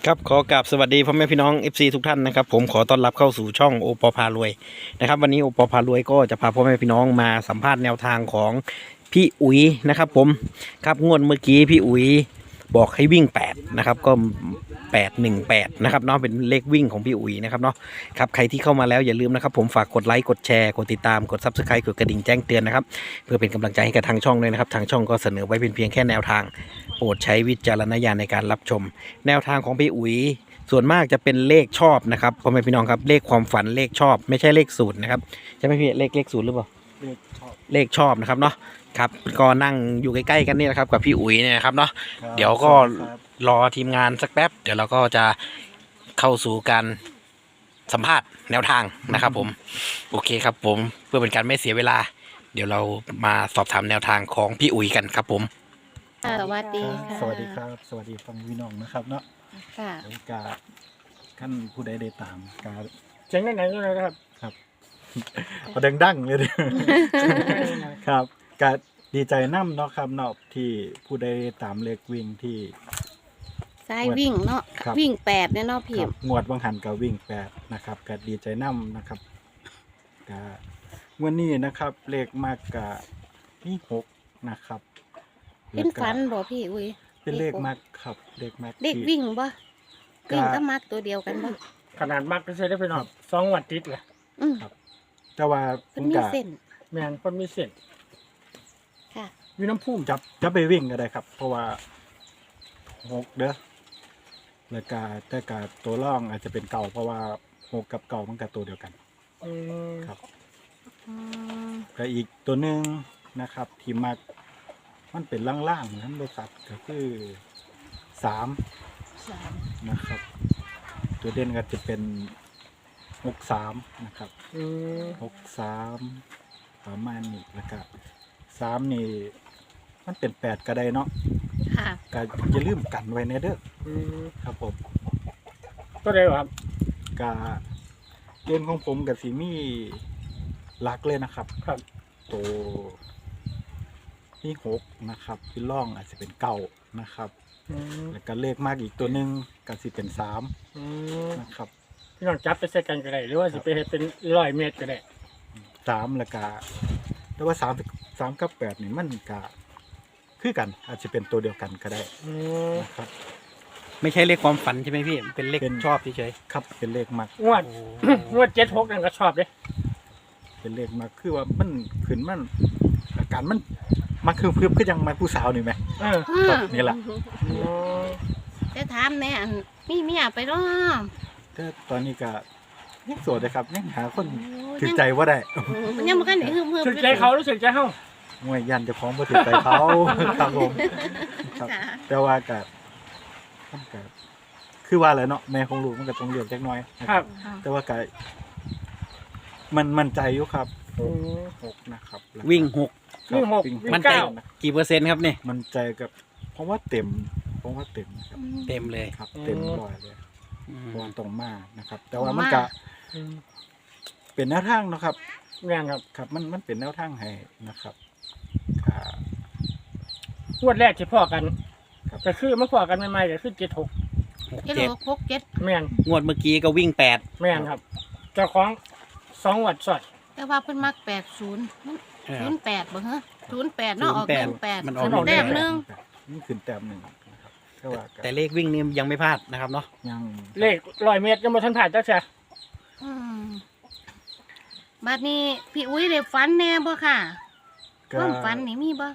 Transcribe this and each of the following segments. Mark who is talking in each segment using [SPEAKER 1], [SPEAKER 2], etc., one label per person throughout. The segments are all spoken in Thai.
[SPEAKER 1] ครับขอกราบสวัสดีพ่อแม่พี่น้อง FC ทุกท่านนะครับผมขอต้อนรับเข้าสู่ช่องโอปอพารวยนะครับวันนี้โอปอพารวยก็จะพาพ่อแม่พี่น้องมาสัมภาษณ์แนวทางของพี่อุ๋ยนะครับผมครับงวดเมื่อกี้พี่อุ๋ยบอกให้วิ่ง8นะครับก็818นะครับเนาะเป็นเลขวิ่งของพี่อุ๋ยนะครับเนาะครับใครที่เข้ามาแล้วอย่าลืมนะครับผมฝากกดไลค์กดแชร์กดติดตามกด Subscribe กดกระดิ่งแจ้งเตือนนะครับเพื่อเป็นกำลังใจให้กับทางช่องด้วยนะครับทางช่องก็เสนอไว้เป็นเพียงแค่แนวทางโปรดใช้วิจารณญาณในการรับชมแนวทางของพี่อุ๋ยส่วนมากจะเป็นเลขชอบนะครับพ่อแม่พี่น้องครับเลขความฝันเลขชอบไม่ใช่เลขสูตรนะครับใช่ไหมพี่เลขสูตรหรือเปล่าเลขชอบนะครับเนาะครับก็นั่งอยู่ใกล้ๆกันนี่นะครับกับพี่อุ๋ยเนี่ยนะครับเนาะเดี๋ยวก็รอทีมงานสักแป๊บเดี๋ยวเราก็จะเข้าสู่การสัมภาษณ์แนวทางนะครับผมโอเคครับผมเพื่อเป็นการไม่เสียเวลาเดี๋ยวเรามาสอบถามแนวทางของพี่อุ๋ยกันครับผม
[SPEAKER 2] สวัสดีค่ะ
[SPEAKER 3] สวัสดีครับสวัสดีฟังพี่น้องนะครับเนาะ
[SPEAKER 2] ค่ะ
[SPEAKER 3] โอกาสขั้นผู้ใดได้ตามการ
[SPEAKER 4] เจ๋งไหนก็เลยครับ
[SPEAKER 3] ครับเอาดังๆเลยครับการดีใจน้ำเนาะครับเนาะที่ผู้ใดตามเลขวิ่งที่
[SPEAKER 2] สายวิ่งเนาะ
[SPEAKER 3] ครับ
[SPEAKER 2] วิ่ง8เนี่ยเนาะพี่
[SPEAKER 3] ครับงวดวังหันกับวิ่ง8นะครับก็ดีใจน้ำนะครับก็วันนี้นะครับเลขมากกับที่6นะครับ
[SPEAKER 2] เป็นฝันบ่พี่อุ้ย
[SPEAKER 3] เป็นเลขมากครับเลขมาก
[SPEAKER 2] เด็ก
[SPEAKER 3] ที่
[SPEAKER 2] วิ่งบ่
[SPEAKER 3] ก็
[SPEAKER 2] วิ่งก็มักตัวเดียวกันบ่
[SPEAKER 4] ขนาดมากก็ใช้ได้ไปหน่อย2 วันติดแหละ
[SPEAKER 2] อืม
[SPEAKER 3] แต่ว่าผ
[SPEAKER 2] เพิ่น
[SPEAKER 3] ม
[SPEAKER 2] มี
[SPEAKER 3] ก็
[SPEAKER 2] เส้น
[SPEAKER 4] แมนคนมีเส้น
[SPEAKER 2] ค่ะ
[SPEAKER 4] มีน้ำพุ่ม
[SPEAKER 3] จับไปวิ่งก็ได้ครับ เพราะว่า6เด้อแล้วก็แต่กาตัวร่องอาจจะเป็นเก่าเพราะว่า6กับเก่ามันกับตัวเดียวกัน
[SPEAKER 4] อืม
[SPEAKER 3] ครับ
[SPEAKER 2] อืม
[SPEAKER 3] ก็อีกตัวหนึ่งนะครับที่มักมันเป็นล่างๆนั้นบริษัทก็คือ3นะครับ ตัวเด่นก็จะเป็น63นะครับ
[SPEAKER 4] อืม
[SPEAKER 3] 63ประมาณนี้แล้วก็3นี่มันเป็น8ก็ได้เนาะ
[SPEAKER 2] ค่ะ
[SPEAKER 3] ก็อย่าลืมกันไว้ในเด้อ
[SPEAKER 4] อืม
[SPEAKER 3] ครับผม
[SPEAKER 4] ตัวเดียวครับ
[SPEAKER 3] กาเล่นของผมกับสีมีลักเลยนะครับ
[SPEAKER 4] ครับ
[SPEAKER 3] ตัวที่6นะครับที่ล่องอาจจะเป็นเก่านะครับ
[SPEAKER 4] อืม
[SPEAKER 3] แล้วก็เลขมากอีกตัวหนึ่งก็สิเป็น
[SPEAKER 4] อื
[SPEAKER 3] 3
[SPEAKER 4] ม
[SPEAKER 3] นะครับ
[SPEAKER 4] พี่น้องจับไปใส่กันก็ได้หรือว่าสิไปเฮ็ดเป็น100 เมตรก็ได้
[SPEAKER 3] 3แล้วก็แต่ว่า3กับ8นี่มันก็คือกันอาจจะเป็นตัวเดียวกันก็ได้
[SPEAKER 4] อืม
[SPEAKER 3] นะครับ
[SPEAKER 1] ไม่ใช่เลขความฝันใช่ไหมพี่เป็นเลข
[SPEAKER 3] เป็น
[SPEAKER 1] ชอบเฉย
[SPEAKER 3] ครับเป็นเลขมาก
[SPEAKER 4] งวด งวด76นั่นก็ชอบเด้
[SPEAKER 3] เป็นเลขมากคือว่ามันขึ้นมันอาการมันมาคือคือยังมาผู้สาวนี่ไหม
[SPEAKER 4] เออ
[SPEAKER 3] ครับนี่แหละ
[SPEAKER 4] อืม
[SPEAKER 2] จะถามแน่อันมีเมียไปเนาะ
[SPEAKER 3] ก็ตอนนี้ก็ยังโสดเลยครับยังหาคน
[SPEAKER 2] โอ้
[SPEAKER 3] ถือใจว่าได้
[SPEAKER 2] มันยังบ่คันได้ฮึมๆ
[SPEAKER 4] สึกใจเขารู้สึกใจเฮา
[SPEAKER 3] มวยยันเจะคล้าของบ่ถือใจเขา ครับผมครับ
[SPEAKER 2] ค่ะ
[SPEAKER 3] แต่ว่าก็มันก็คือว่าอะไรเนาะแม่ของลูกมันก็ต้องเลือกจักหน้อยนะครับ แต่ว่าก็มันมั่นใจอยู่ครับ
[SPEAKER 4] อืม
[SPEAKER 3] 6นะครับแล้
[SPEAKER 1] ๆวิ่ง6
[SPEAKER 3] ครับ
[SPEAKER 4] วิ่งหก
[SPEAKER 3] วิ่ง
[SPEAKER 4] วิ่ง
[SPEAKER 1] มันใจ
[SPEAKER 4] เก้า
[SPEAKER 1] กี่เปอร์เซ็นต์ครับเนี่ย
[SPEAKER 3] มั่นใจกับเพราะว่าเต็มครับ
[SPEAKER 1] เต็มเลย
[SPEAKER 3] ครับ เต็มร้อยเลย
[SPEAKER 1] อืม
[SPEAKER 3] เพราะว่าตรงมากนะครับ แต่ว่ามันก็
[SPEAKER 4] อืม
[SPEAKER 3] เป็นแนวทางเนาะครับ
[SPEAKER 4] แม่นครับ
[SPEAKER 3] ครับมันเป็นแนวทางให้นะครับอ่าง
[SPEAKER 4] วดแรกที่พ่อกัน
[SPEAKER 3] ครับ
[SPEAKER 4] ก็คือมาพ่อกันใหม่ๆก็คือ76
[SPEAKER 2] เจ็ด
[SPEAKER 1] 7
[SPEAKER 2] หกหกเจ็ด
[SPEAKER 4] แม่น
[SPEAKER 1] งวดเมื่อกี้ก็วิ่ง8
[SPEAKER 4] แม่นครับ เจ้าของ2 วัดสอด
[SPEAKER 2] แต่ว่าเพิ่นมัก80มัน
[SPEAKER 1] เออ
[SPEAKER 2] 08บ่ฮะ08เนาะออก
[SPEAKER 1] 08มันออก
[SPEAKER 2] แต้มหนึง
[SPEAKER 3] นี่ขึ้นแต้มหนึ่งนะครับแต่ว่าก็
[SPEAKER 1] แต่เลขวิ่งนี่ยังไม่พลาดนะครับเนาะ
[SPEAKER 3] ยัง
[SPEAKER 4] เลข100 เมตรยังบ่ทันผ่านจักเสีย
[SPEAKER 2] อืมบัดนี้พี่อุ้ยได้ฝันแน่บ่ค่ะค
[SPEAKER 3] ก็
[SPEAKER 2] วามฝันนี่มีบ่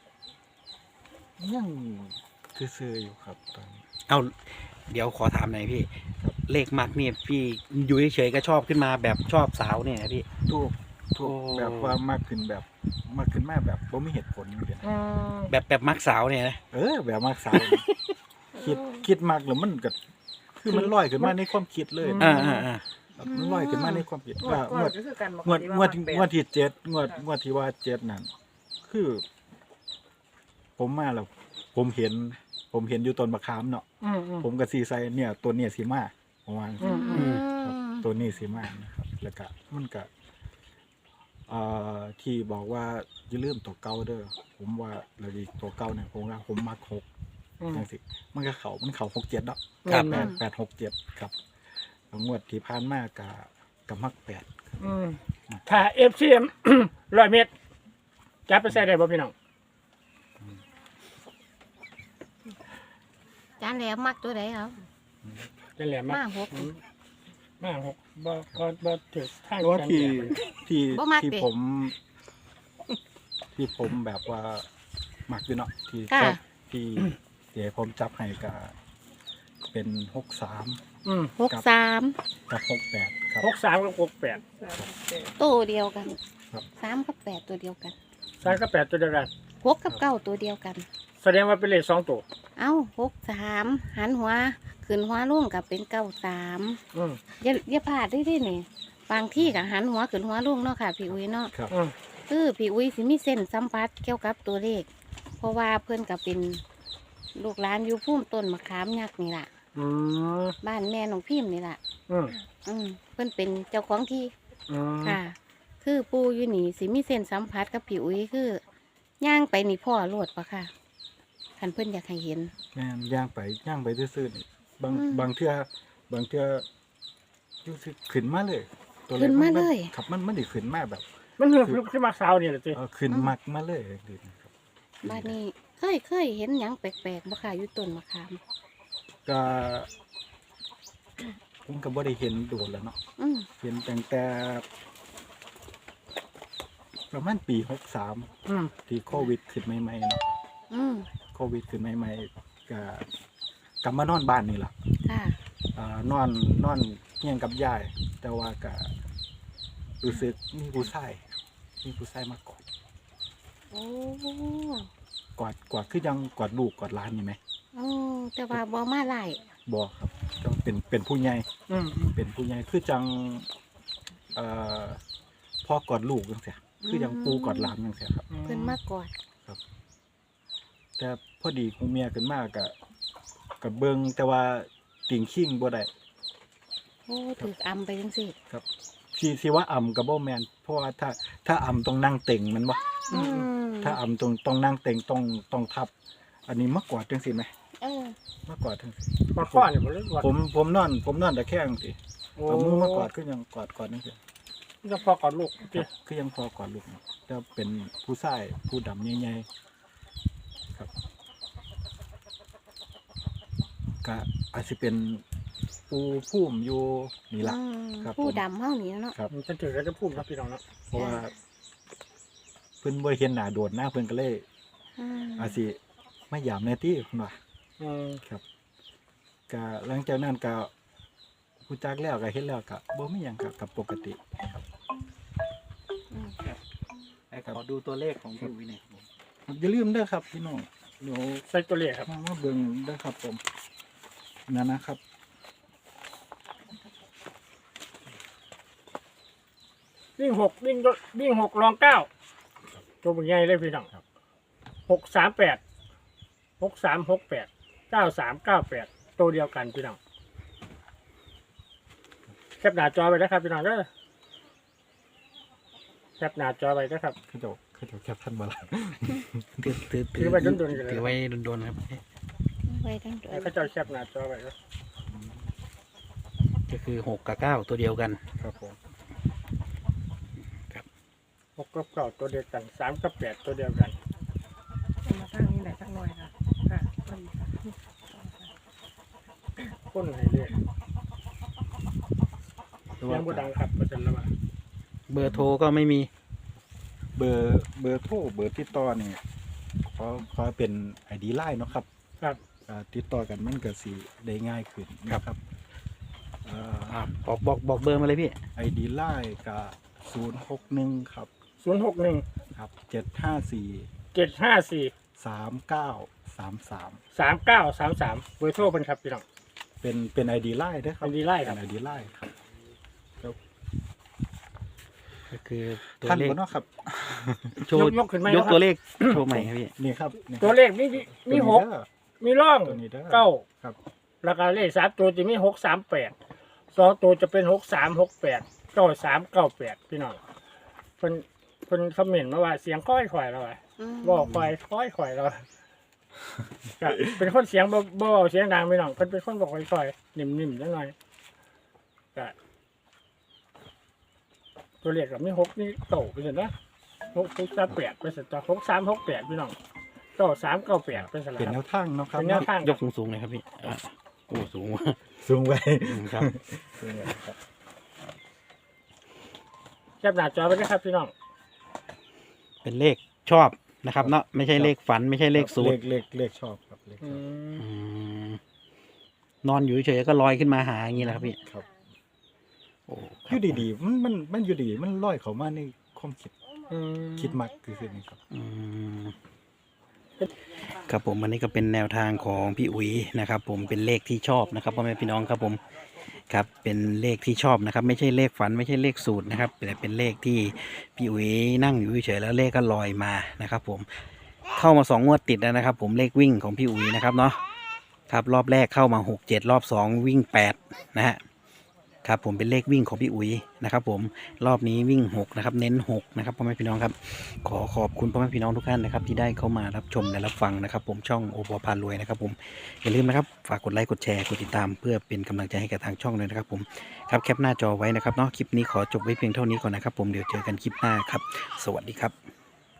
[SPEAKER 3] ยังซื่อๆอยู่ครับตอนนี้
[SPEAKER 1] เอาเดี๋ยวขอถามหน่อยพี่เลขมักเนี่ยพี่อยู่เฉยๆก็ชอบขึ้นมาแบบชอบสาวเนี่ยนะพี่
[SPEAKER 3] ถูก
[SPEAKER 1] โอ้
[SPEAKER 3] แบบว่ามากขึ้นแบบมากขึ้นมากแบบบ่มีเหตุผลอยู่เดียว
[SPEAKER 4] อืม
[SPEAKER 1] แบบมักสาวเนี่ยนะ
[SPEAKER 3] แบบมากสาว คิดมากแล้วมันก็คือมันลอยขึ้นมาในความคิดเลย
[SPEAKER 1] อ่า
[SPEAKER 3] ครับมันลอยขึ้นมาในความคิดว่างวด
[SPEAKER 5] ก็คือกัน
[SPEAKER 3] งวดที่7งวดที่ว่า7นั่นคือ ผมมาแล้ว ผมเห็นอยู่ต้นมะขามเนาะ
[SPEAKER 4] อืม
[SPEAKER 3] ผมก็สีใส่เนี่ยตัวเนี่ยสีมาประมาณ
[SPEAKER 4] อืม
[SPEAKER 3] ครับตัวนี้สีมานะครับ แล้วก็มันก็ที่บอกว่าอย่าลืมตัวเก่าเด้อผมว่าเราดีตัวเก่าเนี่ยผมว่าผมมัก6 จังสิมันก็มันเข่า67เนาะ
[SPEAKER 1] ครับ
[SPEAKER 3] 867ครับแล้วงวดที่ผ่านมากกับมัก8
[SPEAKER 4] ถ้า FCM 100 เมตรจับไปใส่ได้บ่พี่น้อง
[SPEAKER 2] จานแหลมมักตัวใดครับ
[SPEAKER 4] จะแหลมมาม
[SPEAKER 2] าก หก
[SPEAKER 4] มากหกบ่ถือทาง
[SPEAKER 3] ตัว
[SPEAKER 4] กัน
[SPEAKER 3] ที่
[SPEAKER 2] บ่มัก
[SPEAKER 3] ที่
[SPEAKER 2] เด้
[SPEAKER 3] ผมแบบว่ามักอยู่เนาะที่
[SPEAKER 2] ค่ะ
[SPEAKER 3] ที่เดี๋ยวผมจับให้ก็เป็น63
[SPEAKER 2] 63
[SPEAKER 3] กับ68ครับ
[SPEAKER 4] 63กับ68
[SPEAKER 2] ตัวเดียวกัน
[SPEAKER 3] ครับ
[SPEAKER 2] 3กับ8ตัวเดียวกัน
[SPEAKER 4] 3กับ8ตัวเดียวกัน
[SPEAKER 2] 6กับ9ตัวเดียวกัน
[SPEAKER 4] แสดงว่าเป็นเลข2ตัว
[SPEAKER 2] เอ้า63หันหัวขึ้นหัวลงกับเป็น93
[SPEAKER 4] อืม
[SPEAKER 2] อย่าพลาดได้ดินี่บางที่ก็หันหัวขึ้นหัวลงเนาะค่ะพี่อุ้ยเนาะ
[SPEAKER 3] ครับ
[SPEAKER 4] อืม
[SPEAKER 2] คือพี่อุ้ยสิมีเส้นสัมผัสเกี่ยวกับตัวเลข เพราะว่าเพื่อนก็เป็นลูกหลานอยู่พุ่มต้นมะขามยักษ์นี่ล่ะ
[SPEAKER 4] อืม
[SPEAKER 2] บ้านแม่น้องพิมพ์นี่ล่ะ
[SPEAKER 4] อืม
[SPEAKER 2] เพื่อนเป็นเจ้าของที่
[SPEAKER 4] อืม
[SPEAKER 2] ค่ะ คือปูอยู่นี่สิมีเส้นสัมผัสกับพี่อุ้ยคือย่างไปนี่พ่อโลดปะค่ะคันเพื่อนอยากให้เห็น
[SPEAKER 3] แม่นย่างไปซื่อๆนี่บาง
[SPEAKER 2] อืม
[SPEAKER 3] บางเทื่อรู้สึกขึ้นมาเลยตัวเลข
[SPEAKER 2] ขึ้นมาเลย
[SPEAKER 3] ครับมันได้ขึ้นมาแบบ
[SPEAKER 4] มันคือขึ้นมาเช้านี่แหละสิ
[SPEAKER 3] ขึ้นมักมาเลยดีนะครับ
[SPEAKER 2] บ้านนี้เคยเห็นหยังแปลกๆบ่ค่ะอยู่ต้นมะขาม
[SPEAKER 3] ก็ผมก็บ่ได้เห็นโดนแล้วเนาะ
[SPEAKER 2] อืม
[SPEAKER 3] เห็นตั้งแต่ประมาณปี63
[SPEAKER 4] อืม
[SPEAKER 3] ที่โควิดขึ้นใหม่ๆเนาะ
[SPEAKER 2] อืม
[SPEAKER 3] โควิดขึ้นใหม่ๆก็กลับมานอนบ้านนี่ล่ะ
[SPEAKER 2] ค่ะ
[SPEAKER 3] นอนเฮียงกับยาย แต่ว่าก็รู้สึกมีผู้ชายมากอด
[SPEAKER 2] โอ้
[SPEAKER 3] กอดคือยังกอดลูกกอดหลานนี่ไหม
[SPEAKER 2] โอ้แต่ว่าบ่มาไล่
[SPEAKER 3] บ่ครับต้องเป็นผู้ใหญ่
[SPEAKER 4] อืม
[SPEAKER 3] เป็นผู้ใหญ่คือจังเอ่อพ่อกอดลูกจังซี่คือยังปูกอดหลานจังซี่ครับ
[SPEAKER 2] เพิ่นมากอด
[SPEAKER 3] แต่พอดีคงเมียขึ้นมากกับเบิ่งแต่ว่าติ่งขิงบ่ได้
[SPEAKER 2] โอ้ถึกอำไปจังสิ
[SPEAKER 3] ครับที่ว่าอ่ำกับบ่แม่นเพราะว่าถ้าอ่ำต้องนั่งเต็งแมันบ่
[SPEAKER 2] อืม
[SPEAKER 3] ถ้าอ่ำต้องนั่งเต็งต้องทับ อันนี้มากอดจังซี่ไหม
[SPEAKER 2] เออ
[SPEAKER 3] มากอดจังซี่
[SPEAKER 4] มาข้อนี่บ่เลยว่า
[SPEAKER 3] ผมนอนตะแคงสิ
[SPEAKER 4] โอ้
[SPEAKER 3] เอามือมากอดคือยังกอดจังซี่
[SPEAKER 4] จะพอกอดลูก
[SPEAKER 3] ค
[SPEAKER 4] สิ
[SPEAKER 3] รับคือยังพอกอดลูกเนาะแต่เป็นผู้ชายผู้ดำใหญ่ๆครับก็อาจสิเป็นปูพุ่มอยู่นี่ล่ะ
[SPEAKER 2] อืม
[SPEAKER 3] ครับ
[SPEAKER 2] ผู้ดำเฮานี่เนาะ
[SPEAKER 3] ครับ
[SPEAKER 4] มันจะถือก็จะพูดครับพี่น้องเนาะ
[SPEAKER 3] เพราะว่าเพิ่นบ่เห็นหน้าโดดหน้าเพิ่นก็เลย
[SPEAKER 2] อืม
[SPEAKER 3] อาจสิไม่ยามแน่ติเพิ่นว่า
[SPEAKER 4] อืม
[SPEAKER 3] ครับก็หลังจากนั้นก็ผู้จักแล้วก็เฮ็ดแล้วก็บ่มีหยังกับปกติครับ
[SPEAKER 2] อืม
[SPEAKER 1] ขอดูตัวเลขของพี่อุ้ยหน่อยครับผม
[SPEAKER 3] อย่าลืมเด้อครับพี่น้องเดี๋ยว
[SPEAKER 4] ใส่ตัวเลขครับ
[SPEAKER 3] มาเบิ่งเด้อครับผมนั่นนะครับ
[SPEAKER 4] วิ่ง6ลอง9ตัวเป็นไงเลยพี่น้อง638 6368 9398ตัวเดียวกันพี่น้องแคปหน้าจอไว้นะครับพี่น้องเด้อแคปหน้าจอไว้นะครับ
[SPEAKER 3] เขาเจ้าแคปทันบ่ล่ะ
[SPEAKER 4] ถือไว้โดนๆกันเลย
[SPEAKER 1] ถือไว้โดนๆครับ
[SPEAKER 2] ไว้ทั้งตัว
[SPEAKER 4] ให้เขาเจ้าแคปหน้าจอไว้นะ
[SPEAKER 1] ก็คือ6กับ9ตัวเดียวกัน
[SPEAKER 3] ครับผม
[SPEAKER 4] 6กับ9ตัวเดียวกัน3กับ8ตัวเดียวกัน
[SPEAKER 5] มาตั้งนี่แหละตั้งหน่อยค่ะค่ะ
[SPEAKER 4] คนให้เรียกยังบ่ดังครับประจันละว่า
[SPEAKER 1] เบอร์โทรก็ไม่มี
[SPEAKER 3] เบอร์โทรเบอร์ติดต่อนี่ขอเป็น ID Line เนาะครับ
[SPEAKER 4] ครับ
[SPEAKER 3] ติดต่อกันมันก็สิได้ง่ายขึ้นนะครับ
[SPEAKER 1] บอกเบอร์มาเลยพี่
[SPEAKER 3] ID Line ก็061ครับ
[SPEAKER 4] 061
[SPEAKER 3] ครับ754
[SPEAKER 4] 754
[SPEAKER 3] 3933
[SPEAKER 4] 3933เบอร์โทรเป็นครับพี่น้อง
[SPEAKER 3] เป็น ID Line ด้วยครับ
[SPEAKER 4] ID Line ครับ
[SPEAKER 3] เป็น ID Line ครับ
[SPEAKER 1] ก็คือตัว
[SPEAKER 3] ท่าน
[SPEAKER 1] เลข
[SPEAKER 3] บ่เนาะครับ
[SPEAKER 1] โชว์
[SPEAKER 4] ยกขึ้นไหม
[SPEAKER 1] ยก
[SPEAKER 4] นะครับ
[SPEAKER 1] ตัวเลขโชว์ใหม่ครับพี่
[SPEAKER 3] นี่ครับนี่ครับ
[SPEAKER 4] ตัวเลขมี
[SPEAKER 3] ตัว
[SPEAKER 4] หก
[SPEAKER 3] เด้อ
[SPEAKER 4] มีร่อง
[SPEAKER 3] ตัวนี้เด้อ
[SPEAKER 4] เก้า
[SPEAKER 3] ครับ
[SPEAKER 4] แล้วก็เลข3ตัวจะมี638 2ตัวจะเป็น6368 9398พี่น้องเพิ่นคอมเมนต์มาว่าเสียงค่อยๆแล้วว่า
[SPEAKER 2] อืม
[SPEAKER 4] บอกค่อยๆแล้วว่าก็เป็นคนเสียงบ่เสียงดังพี่น้องเพิ่นเป็นคนบอกค่อยๆนิ่มๆจังหน่อยก็ตัวเลขก็มี6นี่โตไปซั่นนะ638ไปซั่นต่อ6368พี่น้อง9398เป็นซั่น
[SPEAKER 3] เป็น
[SPEAKER 4] ล่ะ
[SPEAKER 3] แนวทางเนาะครับ
[SPEAKER 4] เป็นแนวทาง
[SPEAKER 1] ยกสูงๆเลยครับพี่โอ้สูง
[SPEAKER 3] สูงไว้
[SPEAKER 1] ครับ
[SPEAKER 3] สูงไว้ครับ
[SPEAKER 4] แคปหน้าจอไว้นะครับพี่น้อง
[SPEAKER 1] เป็นเลขชอบนะครับเนาะไม่ใช่เลขฝันไม่ใช่เลขสูตร
[SPEAKER 3] เลขชอบครับเลขช
[SPEAKER 4] อื
[SPEAKER 3] อบ
[SPEAKER 4] ม
[SPEAKER 1] อืมนอนอยู่เฉยๆก็ลอยขึ้นมาหาอย่างนี้แหละครับพี่
[SPEAKER 3] ครับ
[SPEAKER 1] โอ้ค
[SPEAKER 3] อ
[SPEAKER 1] รับ
[SPEAKER 3] ยู่ดีๆมันอยู่ดีมันลอยเข้ามาในความคิดมักคือนี่ครับ
[SPEAKER 1] อืมครับผมอันนี้ก็เป็นแนวทางของพี่อุ๋ยนะครับ ผมเป็นเลขที่ชอบนะครับพ่อแม่พี่น้องครับผมครับเป็นเลขที่ชอบนะครับ ไม่ใช่เลขฝันไม่ใช่เลขสูตรนะครับแต่เป็นเลขที่พี่อุ๋ยนั่งอยู่เฉยๆแล้วเลขก็ลอยมานะครับ ผมเข้ามา2 งวดติดแล้วนะครับ ผมเลขวิ่งของพี่อุ๋ยนะครับเนาะครับรอบแรกเข้ามา6-7รอบ2วิ่ง8นะฮะครับผมเป็นเลขวิ่งของพี่อุ๋ยนะครับ ผมรอบนี้วิ่ง6นะครับเน้น6นะครับพ่อแม่พี่น้องครับขอขอบคุณพ่อแม่พี่น้องทุกท่านนะครับที่ได้เข้ามารับชมและรับฟังนะครับ ผมช่องโอปอพารวยนะครับ ผมอย่าลืมนะครับฝากกดไลค์กดแชร์กดติดตามเพื่อเป็นกำลังใจให้กับทางช่องเลยนะครับ ผมครับแคปหน้าจอไว้นะครับเนาะคลิปนี้ขอจบไว้เพียงเท่านี้ก่อนนะครับ ผมเดี๋ยวเจอกันคลิปหน้าครับสวัสดีครับ